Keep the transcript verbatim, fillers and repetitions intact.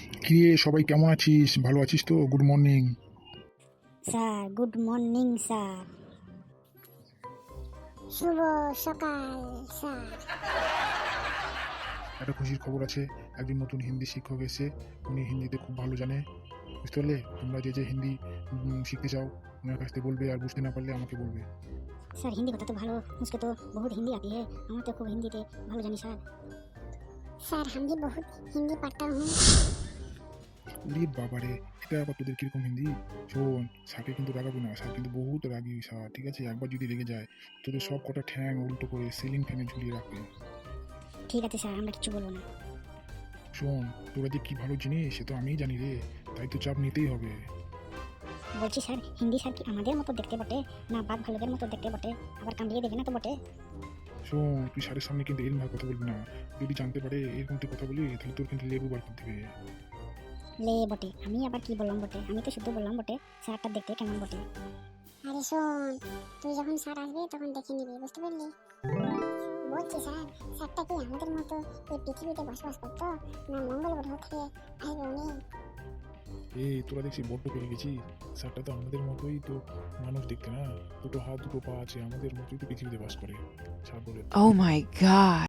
কিরে সবাই কেমন আছিস? ভালো আছিস তো? Good morning. Sir good morning sir. শুভ সকাল স্যার। একটা খুশির খবর আছে, একজন নতুন হিন্দি শিক্ষক এসে, উনি হিন্দিতে খুব ভালো জানে। বুঝতে পারলে? তোমরা যে যে হিন্দি উম, শিখতে চাও ওনার কাছ থেকে বলবে, আর বুঝতে না পারলে আমাকে বলবে। सर हिंदी बता तो भालो, मुझको तो बहुत हिंदी आती है। हम तो खूब हिंदी ते भालो जानी सर। স্যার हम भी बहुत हिंदी पढ़ता हूँ। উরে বাবারে, এটা আবার তোদের কিরকম হিন্দি? শোন, স্যারকে কিন্তু রাগাবি না, স্যার কিন্তু বহুত রাগি স্যার, ঠিক আছে? একবার যদি রেগে যায় তোদের সব কটা ঠ্যাং উল্টো করে সিলিং ফ্যানে ঝুলিয়ে রাখবে। ठीक है सर, আমরা কিছু বলবো না। শোন, তোরা যে কি ভালো জিনিস সে তো আমিই জানি রে, তাই তো চাপ নিতেই হবে। বলছি স্যার, হিন্দি স্যার কি আমাদের মতো দেখতে বটে, না বাদ ভালোদের মতো দেখতে বটে? আবার কামড়িয়ে দেবে না তো বটে? শোন, তুই স্যারের সামনে কিন্তু এরকম ভাবে কথা বলবি না। যদি জানতে পারে এরকম তুই কথা বলি তাহলে তোর কিন্তু লেবু বার করে দিবে। লে বটে, আমি আবার কি বললাম বটে? আমি তো শুধু বললাম বটে স্যারটা দেখতে কেমন বটে। আরে শোন, তুই যখন স্যার আসবে তখন দেখে নিবি, বুঝতে পারলি? বলছি স্যার, স্যারটা কি আমাদের মতো এই পৃথিবীতে বসবাস করতো, না মঙ্গল গ্রহ থেকে আসবে উনি? এই তোরা দেখছি বড্ড পেরে গেছি। স্যারটা তো আমাদের মতোই তো মানুষ দেখতে, না? দুটো হাত দুটো পা আছে, আমাদের মতোই তো পৃথিবীতে বাস করে। স্যার বলে Oh my god.